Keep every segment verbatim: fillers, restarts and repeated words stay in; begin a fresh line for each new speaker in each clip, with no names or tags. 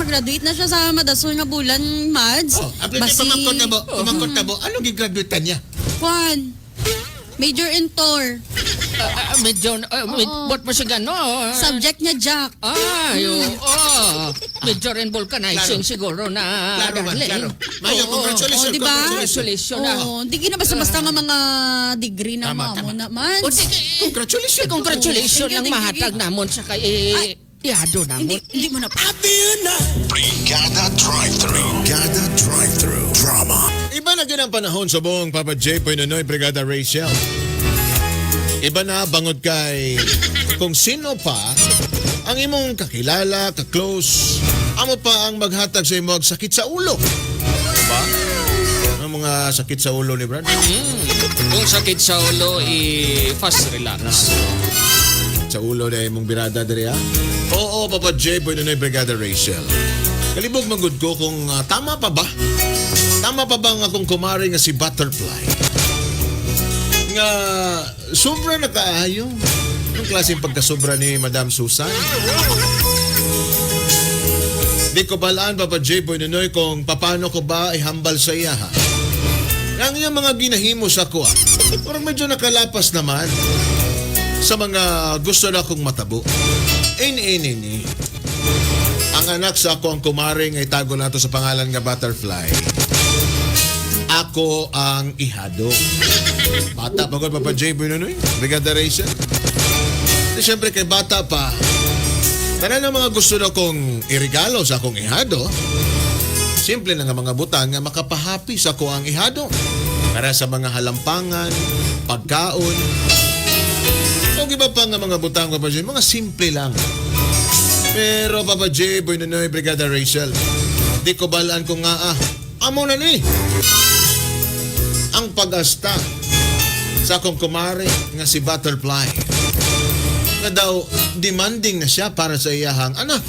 graduate na siya sa madasol nga bulan, Mads.
Oh, apli Basi... pamangkot na mo, pamangkot na mo. Anong gigraduate niya?
Kwan. Major in tour.
Uh, uh, medyo, uh, med, ba't mo siya gano'n?
Subject niya, Jack.
Ay, oo. Medyo rin vulcanizing
Klaro.
siguro na.
Klaro man,
darling.
klaro. Mayo,
Oo.
congratulations,
Oh, diba?
Congratulations na.
Oo, hindi ka na basta-basta nga mga degree na
Tama,
mo
tama.
na, Mads.
O, sige.
Congratulations.
Congratulations
Thank you,
ang
thank you.
mahatag namon sa kay eh, ihado
Hindi,
namon.
hindi mo na pa.
Brigada Drive-Thru. Brigada Drive-Thru. Drama.
Iba na din ang panahon sa buong Papa J. Nonoy, Brigada Rachel. Iba na bangod kay kung sino pa ang imong kakilala, ka-close, amo pa ang maghatag sa imo og sakit sa ulo. Diba? Ang mga sakit sa ulo ni Brad.
Mm. Kung sakit sa ulo, i-fast relax.
Sa ulo na imong birada diri ha? Oo, Papa J. Nonoy, Brigada Rachel. Kalibog manggod ko kung uh, tama pa ba? Tama pa ba ang akong kumari nga si Butterfly? Nga sobra na kaayo. Anong klaseng pagkasobra ni Madam Susan? Di ko balaan, Papa J. Nonoy, kung paano ko ba ihambal sa iya ha? Ang iyang mga ginahimo sa ko ah. Parang medyo nakalapas naman sa mga gusto na kong matabo. Ini, ini, ini. Ang anak sa ako ang kumaring ay tago nato sa pangalan nga Butterfly. Ako ang ihado. Bata pa ko, Papa J. Nonoy, Brigada Rachel. Di syempre kay bata pa, tanan ang mga gusto na kong irigalo sa akong ihado. Simple na nga mga butang nga makapahapi sa ko ang ihado. Para sa mga halampangan, pagkaon. O iba pa nga mga butang, Papa J, mga simple lang. Pero Papa J, Nonoy, Brigada Rachel, di ko balaan ko nga ah, amo na ni ang pag-asta sa akong kumare nga si Butterfly nga daw demanding na siya para sa iyahang anak.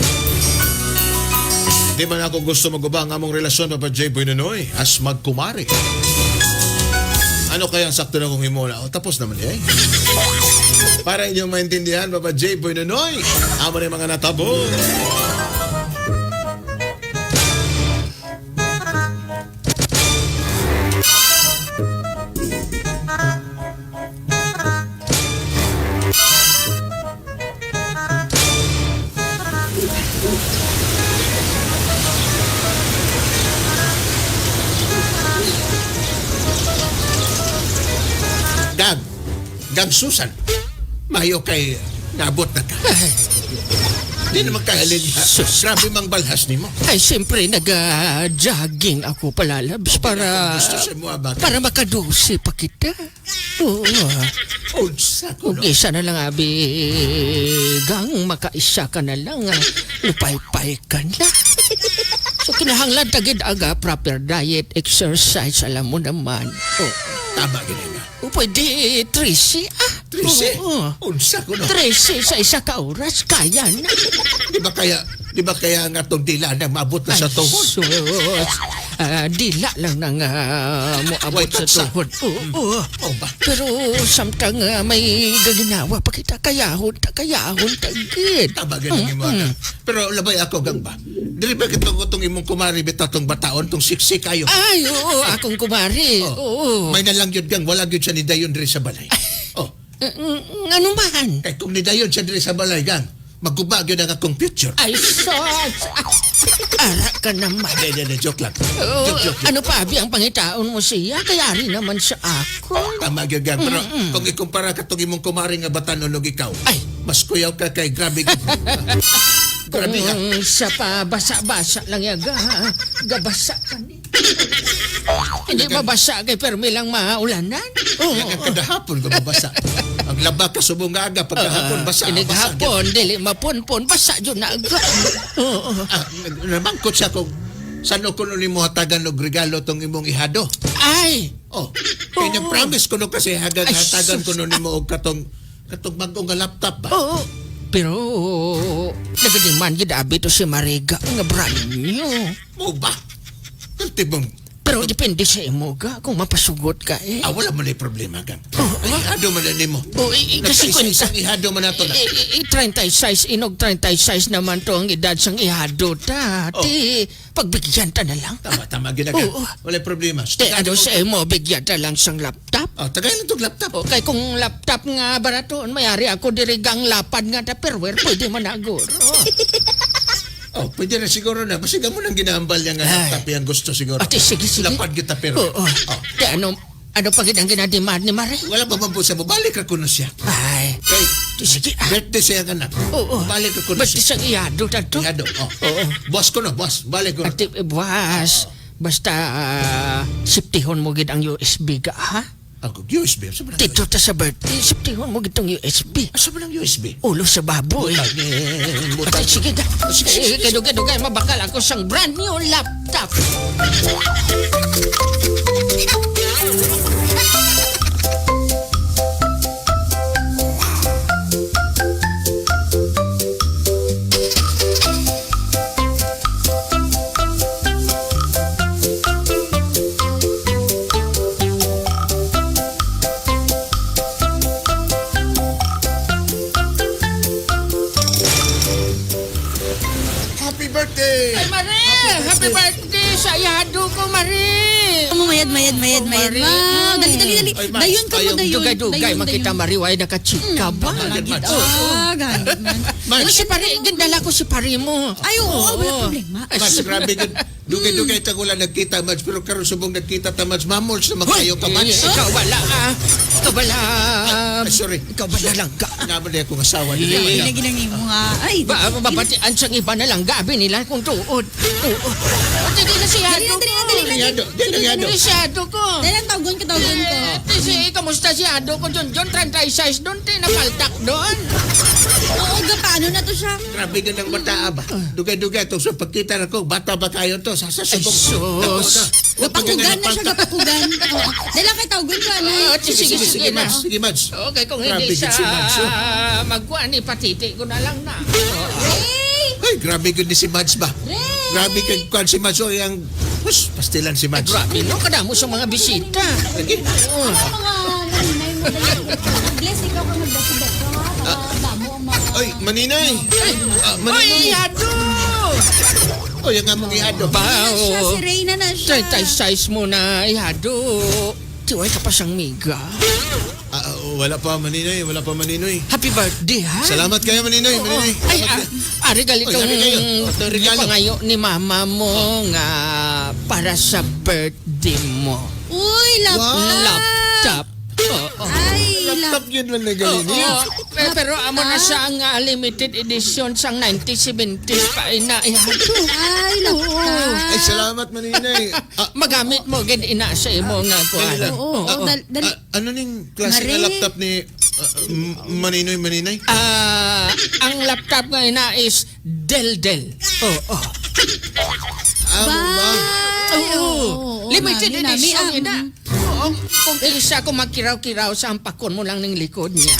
Di man ako gusto magubang among relasyon, Papa J. Nonoy, as magkumare. Ano kaya ang sakto na kong himula? O, tapos naman eh. Para inyong maintindihan, Papa J. Nonoy, amo na yung mga natabo. Gag, Gag Susan, mayo kay nabot na ka. Di naman kahalin ha.
Sus.
Grabe mang balhas ni mo.
Ay, siyempre, nag-jogging ako palalabs para...
Gusto siya mo abag.
Para makadusi pa kita. Oo.
Unsa ko
Kung
no?
isa na lang, abi, gang, makaisa ka na lang, ah, lupay-pay ka na. So, kinahanglan tagid aga, proper diet, exercise, alam mo naman. Oh.
Tama ganyan ba?
O, pwede, trisi, ah.
Trisi?
Oo.
Unsa ko no?
Trisi sa isa ka oras, kaya na.
Di ba kaya, di ba kaya nga itong dila na maabot na sa tuhod?
Sus. Ah, dila lang nang uh, moabot
Wait,
sa
sa-
tuhod. Oo.
Oh ba?
Pero samtang uh, may gaginawa pa kita, kayahon, ta kayahon, tagid.
Tama ganyan mo mm Pero labay ako gang ba? Dili ba kitong itong imong kumari bitaw tong bataon, tong siksi kayo?
Ay, oo, akong kumari.
Oh.
Oo.
May nalang yun gang, wala yun siya ni Dayon diri sa balay. Oh,
Mm, mm, ano man?
kay kung ni Dayon siya diri sa balay gang, magubag yun ang akong future.
Ay, sos. Ara ka naman.
Hindi, hindi, joke lang.
Oo,
Joke, joke, joke.
ano pa, abi ang pangitaon mo siya? Kaya rin naman sa ako.
Tama yun gang. Pero kung ikumpara ka itong imong kumari nga batanon og ikaw,
Ay.
mas kuyaw ka kay grabe ka. Grabe ka.
Kung sa pa basa-basa lang yaga, ha? Gabasa ka ni. Hindi mabasa kay permi lang maulanan. Oo.
Nga kada hapon ko mabasa. Ang laba ka subong nga aga pagkahapon basa.
Inig
basa,
hapon, dili mapunpon, basa dyan na aga. Oo.
Ah, nabangkot siya kung saan ko nun mo hatagan og regalo tong imong ihado.
Ay!
Oh, kaya
Oo.
promise ko no kasi hagan
Ay,
hatagan ko
sus.
nun mo og katong katong bagong nga laptop ba.
Oo. Pero, nagadiman gid abi to si Mariga nga brand new.
Mo ba? Ultimong
Pero depende sa imo ga kung mapasugot ka eh.
Ah, wala man na problema gang. Ay, ihado man na mo.
Oh, i- i- kasi kung
Nagkaisa-isang ihado man na to na.
I, i, thirty-six, inog thirty-six naman to ang edad sang ihado ta.
Oh.
Ti, pagbigyan ta na lang.
Tama, tama, ginagang.
Oo.
Wala problema.
Ti, ano sa imo, bigyan ta lang sang laptop.
Oh, tagay lang itong laptop.
O, kay kung laptop nga baraton, mayari ako dirigang lapad nga tupperware, pwede man agor.
Oh, pwede na siguro na. Basta mo nang ginahambal niya nga
Ay.
laptop yung gusto siguro.
Ate, sige, sige.
Lapad kita pero.
Oo.
Oh.
Ti, ano, ano pa ang ginademand ni Mare?
Wala pa man po sa mo. Balik ako na siya.
Ay,
Kay,
ti, sige. Ah,
birthday siya ka na.
oo.
Balik ako na
Ba't
siya.
isang ihado ta to?
Ihado. Oh.
Oo.
Boss ko na, boss. Balik ko na.
Ate, eh, buwas. Basta, uh, siptihon mo gid ang U S B ka, ha?
Ako, U S B. Asa ba ng
Dito ta sa birthday, siptihon mo gid tong U S B.
Asa ba ng U S B?
Ulo sa baboy.
Butang. Butang.
Ate, sige na.
Sige, sige,
Eh, Kado-kado kayo mabakal ako sang brand new laptop.
Happy birthday!
Ay, Mare! Happy birthday sa ihado ko, Mare!
Mayad, mayad, mayad, mayad.
Mari.
Wow, dali, dali, dali.
Ay, Max,
Dayon ka mo,
ayong
dayon.
Dugay-dugay,
Dayon,
makita
dayon.
Mari, why nakachika ba?
Bagay, Max.
Ah, ganit man.
Max,
Ano si Pari? Gandala ko si Pari mo.
Ay, oo, wala problema.
Ay,
Max, grabe ka. Dugay-dugay ta wala nagkita, Max. Pero karon subong nagkita ta, Max. Mamols na magkayo ka, Max.
Eh, Ikaw wala ah. Ikaw wala.
Ay, sorry.
Ikaw wala lang ka.
Naman na akong asawa nila.
Eh,
Madam.
Ginagi lang mo nga. Ay,
Ba, babatian sa iba na lang gabi nila kung tuod. Oo. At hindi na siya
dali na, dali na, dali na.
Yado, dali na, yado.
Hindi siya ko.
Dali lang, tawgon ka, tawgon ko.
Eh, si, kamusta si Ado ko dun? Dun, thirty-six doon, tinapaltak doon.
Oo, ga, paano na to siya?
Grabe ka ng bata ba? Dugay-dugay to. So pagkita na ko, bata ba kayo to?
Ay,
Sasasubong.
sus.
Gapakugan na siya, gapakugan. Oo. Dali lang kay tawgon ko, ano.
Ah,
Sige, sige, sige,
na.
Max. Sige, Max.
Okay, kung
Grabe
hindi siya
gid si Mads, oh.
magkuhan, ipatiti ko na lang na.
Ray!
Ay, grabe ka ni si Mads ba?
Ray!
Grabe ka kwan si Mads. O, yung... Hus, pastilan si
Ay,
Mads.
grabe, no? Kadamo sa mga bisita.
Lagi.
Oh.
Mga naninay mo dali. Bless, ikaw ka magdasigat ka, ha? Para damo ang mga...
Ay, maninay. Ah,
Oy,
maninay.
Ado!
O, yung nga mong ihado.
Ba,
Na siya,
oh.
si Reyna na siya.
Thirty-size mo na, Ihado. Tiway ka pa siyang miga.
Ah, ah, wala pa, maninay. Wala pa, maninoy.
Happy birthday, ha?
Salamat kayo, maninoy.
Oo.
Maninoy.
Ay,
Salamat
ah,
kayo.
ari gali
Oy,
kang
ari kayo. Ito, regalo.
pangayo ni mama mo nga para sa birthday mo.
Uy, laptop.
Laptop. Oo.
Ay,
Laptop
laptop.
yun man na
Oo.
galing.
Pero, pero amo na siya ang ah, limited edition sang nineteen seventies pa ina ihado.
Ay, laptop.
Ay, salamat, maninay. Ah,
Magamit mo gid ina sa imo nga kuan.
lang.
Oo, oo, dal- dali.
ah, ano ning klase
Mari.
na laptop ni ah, m- maninoy, maninay?
Ah, ang laptop nga ina is Dell Dell. Oo.
Ah, mo ba?
Ay,
Oo.
oo,
Limited
nami, nami,
edition
ah,
ina. Oo. Kung isa ko magkiraw-kiraw sa ampakon mo lang ng likod niya.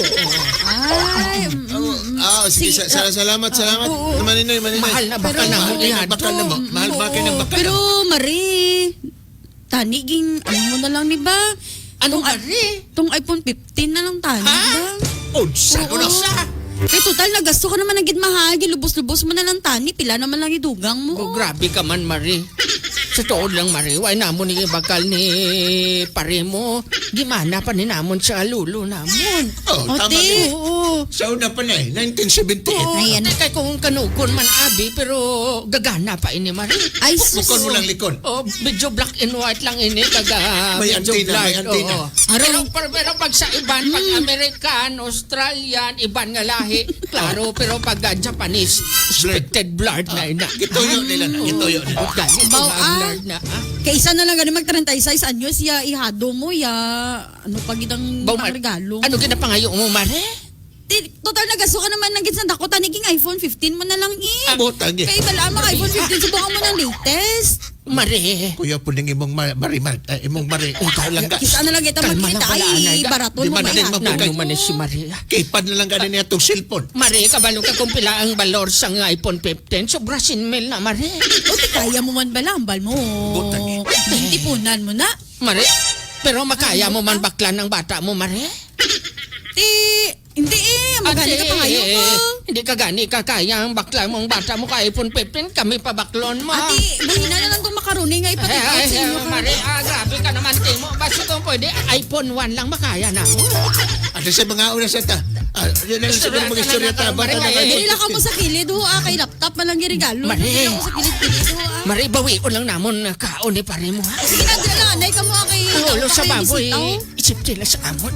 Ay, mm,
Oh, ah, sige, sa, sa- salamat, salamat.
Oo.
Maninoy, maninay.
Mahal na bakal na
Mahal
mo
kayo ng
ihado.
bakal na mo. Mahal ba kayo ng bakal na
pero
mo?
Marie, taniging, ano mo na lang, di ba?
Anong ari?
Tong iPhone fifteen na lang tani,
Ha?
di ba?
Oh, saan ko na?
Sa?
Eh, total, nagasto ka naman ng gitmahagi, lubos-lubos mo na lang tani, pila naman lang idugang mo.
Oh, grabe ka man, Marie. Sa tuod lang, Marie. Why namon ni bakal ni pare mo. Gimana pa ni namon sa lulo namon.
Oh, tama
Ote.
din.
Oo.
Sa una pa na eh, nineteen seventy-eight.
Oo,
Ayan.
kay kung kanukon man abi, pero gagana pa ini, Marie.
Ay, sus.
Likon mo lang likon.
Oh, medyo black and white lang ini kaga
May
medyo
antina, may
black.
antina.
Oo. Pero, pero, pero pag sa iban, pag American, Australian, iban nga lahi, klaro, pero pag ah, Japanese, expected blurred na ina.
Gituyo nila na, gituyo nila.
Oh, ganito
Baw,
nga
ah.
blurred na. Ah.
Kaysa na lang ganun mag thirty-six anyos, ya ihado mo, ya ano pag itang
Baw,
ang regalo.
Ano ginapangayo mo, Mare?
Ti- Total, nagasto ka naman ng gitsan dako, taniging iPhone fifteen mo na lang eh.
Butang eh.
Kaya bala mo iPhone fifteen, subukan mo ng latest.
Mare.
Kuya po ning imong ma- mari mar, eh, imong mari. Langga.
Kita na lang kita
Kalma
magkita.
lang pala,
Ay,
anay ka.
baraton
Di
mo
ba
ba
na din
yan?
mabukay?
Nano man ni si Maria.
Kipad na lang ganin niya itong cellphone.
Mare, kabalo ka kung pila ang balor sa nga iPhone fifteen. Sobra sinmil na, Mare.
O, di kaya mo man ba lambal mo?
Butang eh.
Tipunan mo na.
Mare, pero makaya mo man bakla ng bata mo, Mare?
Ti, hindi eh. Magani ka pa ngayon ko.
Hindi ka gani kakaya ang bakla mong bata mo ka iPhone fifteen. Kami pa baklon mo.
Ati, buhina na lang itong makaroni nga
Ay,
ipatid
ay,
sa inyo
ay,
ka.
Mare, ah, grabe ka naman, Timo. Basta kung pwede, iPhone one lang makaya na mo.
Ano sa mga oras ata? Ah, yun lang sa mga istorya ta.
Mare, ay,
Dili lang ka mo sa kilid ho ah. Kay laptop man lang regalo.
Mare.
Dili lang ko sa kilid-kilid ho ah.
Mare, bawi ko lang namon na kaon ni pare mo, ha?
Sige na, dila lang. Anay ka mo ah, kay...
Ang ulo sa
kay
baboy,
bisita, ho.
isip sila sa amon.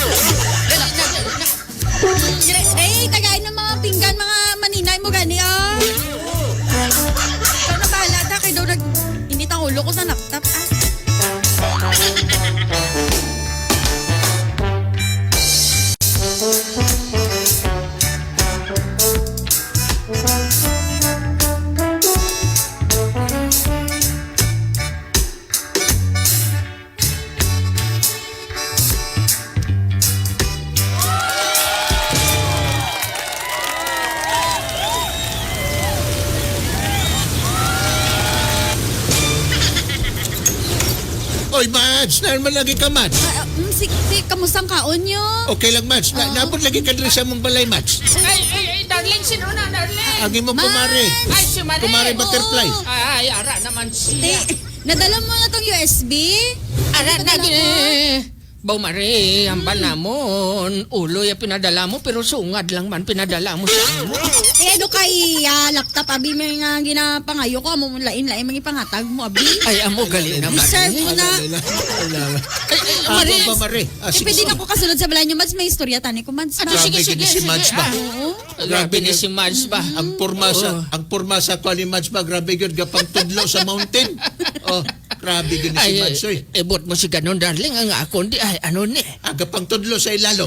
Day, tagay ng mga pinggan, mga maninay mo gani ah. Ikaw na bahala ta. Kay daw nag... Init ang ulo ko sa laptop ah.
Oy, Mads! Naman lagi ka, Mads.
Ah, mm, si, si, kamusta ang kaon nyo?
Okay lang, Mads. Na, napot lagi ka dito sa mong balay, Mads.
Ay, ay, ay, darling, sino na, darling?
Agi mo kumare.
Ay, si Mare.
Kumare butterfly.
Oo.
Ay, ara naman siya.
Te, nadala mo na tong U S B?
Ara na
Nadala ko.
gini. Baw Mare, hambal namon. Ulo ya pinadala mo, pero sungad lang man pinadala mo sa amo.
Eh, do kay ah, laptop, abi, may nga ginapangayo ko. Amo mong lain-lain, mga ipangatag mo, abi.
Ay, amo gali na Mare.
Deserve mo na.
Wala, wala.
Ay, ay,
Ah,
Mare.
ba, Mare? Ah,
Eh,
sige,
pwede
sige.
na ko kasunod sa balay nyo, Mads. May istorya tani ko, Mads.
Ato,
Ma.
sige,
Grabe,
sige,
gini si
sige.
Mads ba?
Ah,
Oo.
Grabe ni si Mads ba?
Ang purma sa
Oo.
ang purma sa kwali Mads ba grabe gyud gapang tudlo sa mountain. Oh, grabe gyud si
Ay,
Mads oy.
eh, ebot mo si ganon, darling. Ang ako, di, ay, ano ni?
Aga pang tudlo sa ilalom.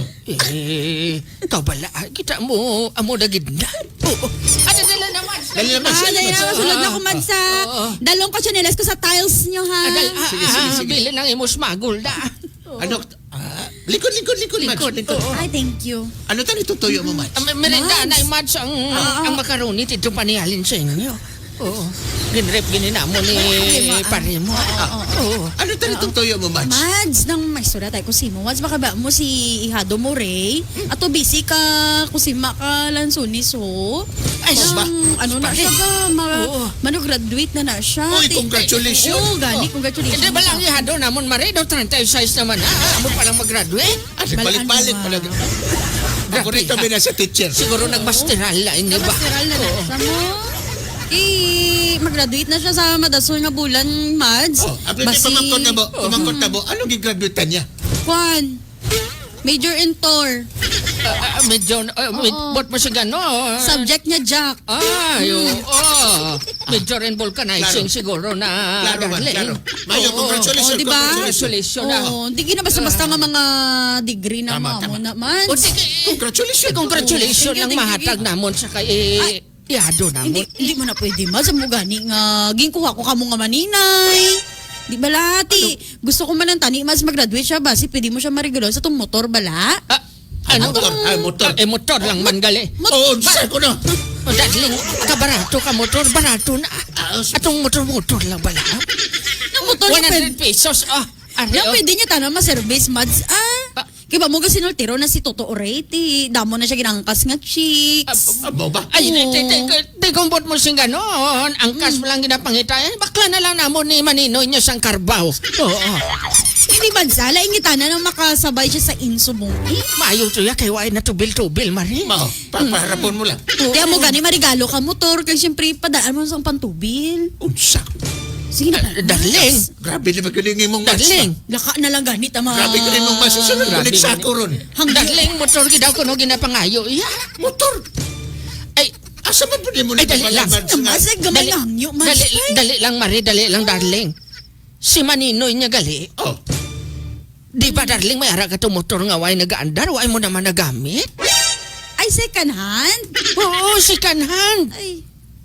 Eh, kabala, kita mo, amo dagid na. Oo. Ano dala naman?
Dali naman
Ah,
siya.
dahil na, kasunod na ko, Mads, sa
Oo.
dalong ko tsinelas ko sa tiles nyo, ha?
Adal, ah,
Sige, sige,
ah,
sige.
Bili ng imos magul da.
Ano? Ah, likod, likod, likod, Mads.
Likod,
Likod.
oo.
Ay, thank you.
Ano tani tutuyo mo, Mads?
Ah, merenda
Mads.
na imads ang, ang makaroni tito panihalin sa inyo. Oo. Ginrep gininamo ni
ma-
pare mo. Oo.
Ano tani tutuyo mo, Mads?
Mads, nang may istorya tayo kusimo. Mads, baka ba mo si Ihado mo, Ray? Ato busy ka, kusima ka lansunis, ho?
Ay,
Nang,
ba?
ano na siya ba? Ma,
Oo.
mano-graduate na na siya.
Uy,
Ti-
congratulations.
Oo, gani, congratulations.
Hindi ba lang ihado namon mare? Daw thirty-six naman na. Amo pa lang mag-graduate.
Kasi balik-balik pa lang. Ako rin kami na sa teacher.
Siguro nagmasteral la ini ba?
Masteral na na siya mo. Eh, mag-graduate na siya sa madasol nga bulan, Mads.
Oh, apli Basi... pamangkot na mo, pamangkot na mo. Anong gigraduate niya?
Juan, major in tour.
Ah, ah, medyo, uh, med, bot mo si gano.
Subject niya, Jack.
Ah, yung, oh. Medyo rin vulcanizing
Claro.
siguro na.
Claro ba?
darling.
Claro. Mayo,
Oo.
congratulations.
Oh, di ba?
Congratulations na.
Oo, hindi gina basta-basta nga mga degree na
Tama,
mo
tama.
naman.
O sige,
Congratulations.
congratulations
Thank you,
ang
thank you,
mahatag
thank you.
namon sa kay ihado
Hindi,
namon.
hindi mo na pwede, Mads. Ang gani nga, ginkuha ko ka mo nga maninay. Di bala, ti. Gusto ko man ng tani, Mads, mag-graduate siya ba? Si pwede mo siya marigalo sa itong motor, bala?
Ah, ano?
Motor, ay, motor.
Eh, motor lang man gali.
Oo, sa ko na.
O, darling, kabarato ka motor, barato na.
Ah,
Atong motor-motor lang bala.
Ang motor
one
niya pwede.
hundred pesos, ah. Ari,
Yan
oh.
pwede niya tanong ma-service, Mads. Ah,
Ah.
kaya ba mo ka sinultiro na si Toto Oreti. Damo na siya ginangkas nga cheeks.
Abo ba?
Ay,
Oo.
te, te, te, te, kumpot mo sing ganon. Ang kas mo lang ginapangita. Eh, bakla na lang namon ni Maninoy niya sang karbaw. Oo.
Hindi, Mads, ala, ingitana nang makasabay siya sa inso mo. Eh,
Maayo to ya, kay waay na tubil-tubil, Mari.
Mao, papaharapon mo lang.
kaya mo gani marigalo ka motor. Kaya siyempre, padaan mo sa pantubil.
Unsa?
Sige na.
Ah, darling.
Grabe na magaling mong Mads.
Darling.
Laka na lang ganit, ama.
Grabe ka rin mong Mads. Sunod
Grabe
ulit sa
gani.
ako ron.
Darling, motor gidaw ko no ginapangayo. Iya.
Motor.
Ay,
Asa man po mo
Ay, dali lang.
Mads nga?
Mas gamay lang nyo, Mads.
dali, dali lang, Mari, dali lang, darling. Si Maninoy niya gali.
Oh,
Di ba, darling, may ara ka to motor nga way nagaandar, way mo naman nagamit?
Ay, second hand?
Oo, second hand.
Ay,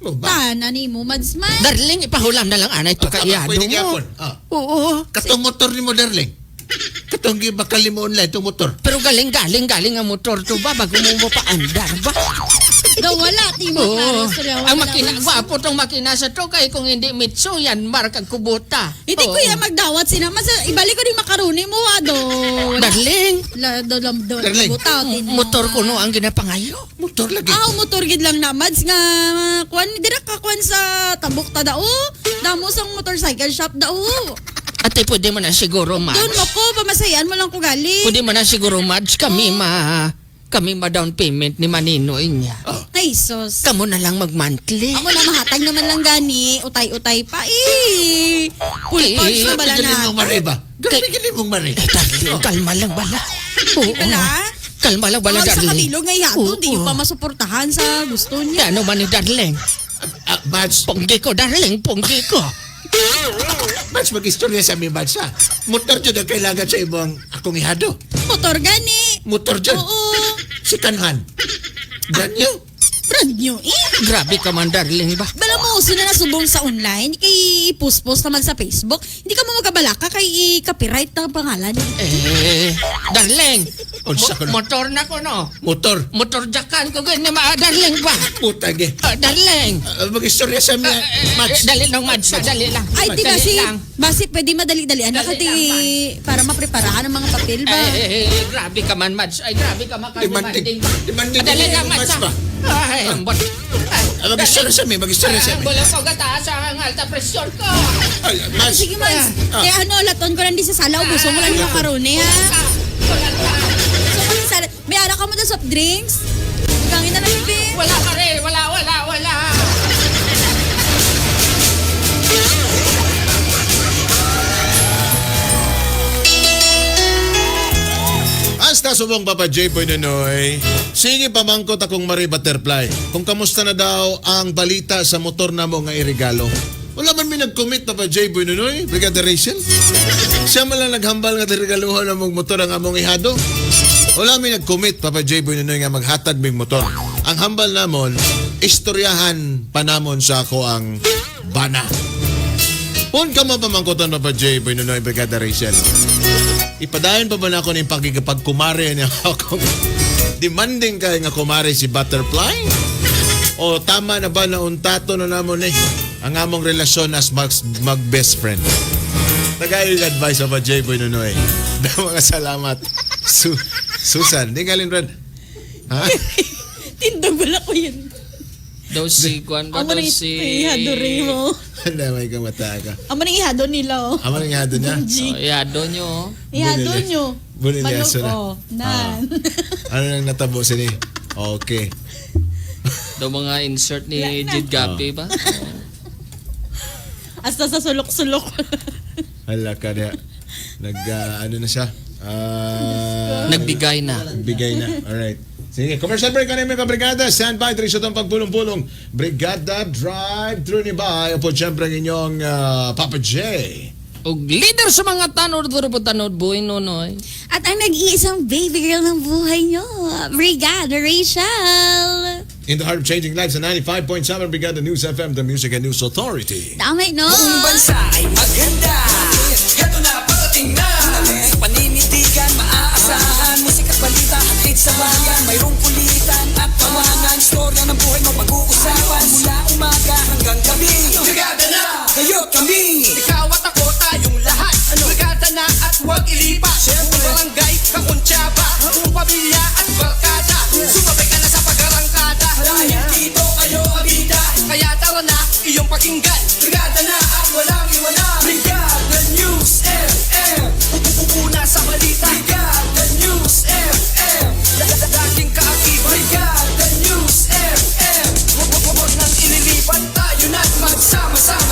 Mo ba?
Tana ni mo, Mads man.
Darling, ipahulam na lang anay to
Ah, tama,
kaiyado
pwede
mo.
gyapon. Ah.
Oo.
Katong motor ni mo, darling. Katong gibakal mo online itong motor.
Pero galing-galing galing ang motor to ba bago mo mapaandar ba?
Daw wala, ti mo.
Oo.
Klaro, sorry, wala
Ang makina,
daw.
gwapo tong makina sa to kay kung hindi Mitsu yan, mark ang kubota.
Hindi
Oo.
ko yan magdawat sina. Mas, ibalik ko din makaroni mo, ado.
Darling,
La, do, lam, do,
Darling.
butaw, tin mo.
motor ko no ang ginapangayo.
Motor lagi.
Ah, motor gid lang na, Mads, nga, kwan, dira ka kwan sa tabok ta dao. Damo sang motorcycle shop dao.
Ate, pwede mo na siguro, Mads.
Doon mo ko, pamasayan mo lang ko gali.
Pwede mo na siguro, Mads, kami ma... Kami ma down payment ni Maninoy niya.
Ay, sos.
Kamu na lang mag-monthly.
Ako na mahatag naman lang gani. Utay-utay pa eh. Full
Eh,
punch na bala
Galing
na.
mong mari ba? Galing mong mari.
Eh, darling, kalma lang bala. Oo.
Bala?
Kalma lang bala,
Bala sa
darling.
kabilog nga ihado,
Oo.
di yung pa masuportahan sa gusto niya.
Ano man ni darling?
Ah, Mads,
Punggi ko, darling, punggi ko.
Mads, mag-istorya sa amin, Mads, ha? Motor dyan ang kailangan sa imong akong ihado.
Motor gani.
Motor dyan.
Oo.
Si Kanhan. Ganyo.
Brand new eh.
Grabe ka man, darling ba?
Bala mo, uso na nasubong sa online, kay i-post-post naman sa Facebook. Hindi ka mo magabalaka kay i-copyright ng pangalan.
Eh, darling,
Unsa ko na?
mo- motor na ko, no?
Motor.
Motor jakan ko, ganyan, ma, darling ba?
Putang eh.
Ah, darling.
Ah, mag-istorya sa amin,
Eh,
Mads.
dali lang, Mads, dali lang.
Ay, di
Dali
basi,
lang.
basi pwede madali-dalian na
Dali
kati
lang,
para mapreparahan ang mga papel ba?
Eh, eh, eh, grabe ka man, Mads. Ay, grabe ka man.
Demanding. Demanding.
Ah, dali lang, Mads.
Mads ba?
ah. Ay, ambot.
Ah, mag-istorya sa amin, mag-istorya sa amin.
Wala ko gataas ang alta presyon ko.
Ay, Mads.
Sige, Mads.
Ah.
Kaya ano, laton ko lang di sa sala, ubuso mo lang yung makaroni, ha?
Wala ka.
So, kung sa may ara ka mo na soft drinks? Gangin na lang, babe.
Wala ka rin. Wala, wala, wala.
Hasta subong Papa J. Boy Nonoy. Sige pamangkot akong Marie Butterfly. Kung kamusta na daw ang balita sa motor na mo nga irigalo. Wala man mi nag-commit Papa J. Boy Nonoy, Brigadier Rachel. Siya man lang naghambal nga regaluhan ng mong motor ang among ihado. Wala mi nag-commit Papa J. Boy Nonoy nga maghatag mig motor. Ang hambal namon, istoryahan pa namon sa ako ang bana. Kung ka mo pamangkotan Papa J. Boy Nonoy, Brigadier Rachel. Ipadayon pa ba na ako ng pagkikapagkumare niya akong demanding kay nga kumare si Butterfly? O tama na ba na untato na namon eh ang among relasyon as mag, mag best friend? Tagay yung advice of a J-Boy Nonoy. Da mga salamat. Su Susan, di galing Red. Ha?
Tindog wala ko yun.
Daw si Kwan ba?
Amo
Daw
nang
si...
ihado rin mo.
Handa may kamata ka.
Amo nang ihado nila, oh.
Ama nang ihado niya?
Oh, yado nyo. oh.
Ihado
Bunili.
nyo.
Bunili
Manok,
aso na.
oh. Nan.
Ano nang natabo sini? Okay.
Daw mga insert ni
Wala na.
Jid Gapi ba?
Hasta sa sulok-sulok.
Hala ka niya. Nag, ah, ano na siya? Ah...
Nagbigay na.
Bigay na. Alright. Sige, commercial break kanina mga brigada. Stand by, Trisha itong pagpulong-pulong. Brigada Drive-Thru ni Bay. Opo, siyempre ang inyong ah, Papa J.
Og leader sa mga tanod, duro po tanod, buhay nonoy.
At ang nag-iisang baby girl ng buhay nyo, Brigada Rachel.
In the heart of changing lives sa ninety-five point seven Brigada News F M, the Music and News Authority.
Tama, no?
Buong bansa ay maganda. Heto na, parating na. Sa paninitigan, maaasahan. Musik at balita, hatid sa bayan. Mayroong kulitan at tawanan. Istorya ng buhay mo pag-uusapan. Mula umaga hanggang gabi. Brigada na, kayo kami. Ikaw at ako, tayong lahat. Brigada na at huwag ilipat. Kung barangay, kakuntsaba. Kung pamilya at barkada. Sumabay ka na sa pag-arangkada. Dahil dito kayo abida. Kaya tara na, iyong pakinggan. Brigada na at walang iwanan. Brigada News F M. Pupupuna sa balita. Brigada News F M. Laging kaakibat. Brigada News F M. Huwag nang ililipat. Tayo na't magsama-sama.